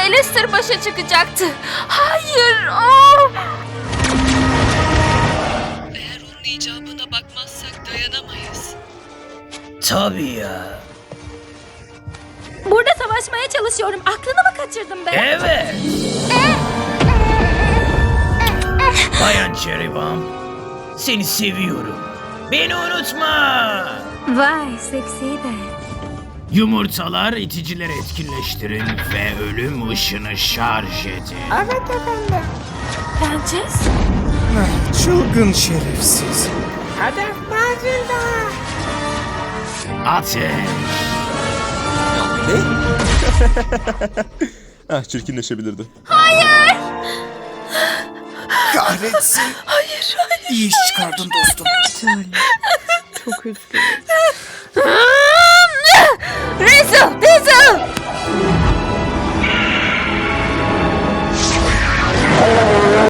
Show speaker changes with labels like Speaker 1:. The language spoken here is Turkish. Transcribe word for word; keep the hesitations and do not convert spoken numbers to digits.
Speaker 1: Alistair başa çıkacaktı. Hayır. Oh!
Speaker 2: Eğer onun icabına bakmazsak dayanamayız.
Speaker 3: Tabii ya.
Speaker 1: Burada savaşmaya çalışıyorum. Aklını mı kaçırdım be?
Speaker 3: Evet. Bayan Cherry Bomb. Seni seviyorum. Beni unutma.
Speaker 1: Vay seksi de.
Speaker 3: Yumurtalar iticileri etkinleştirin ve ölüm ışını şarj edin.
Speaker 1: Evet efendim. Prenses?
Speaker 4: Çılgın şerefsiz.
Speaker 3: Ateş.
Speaker 5: Ne? Ah, çirkinleşebilirdi.
Speaker 4: Kahretsin.
Speaker 1: Hayır hayır.
Speaker 4: İyi iş çıkardın dostum.
Speaker 1: Rizzo! Rizzo!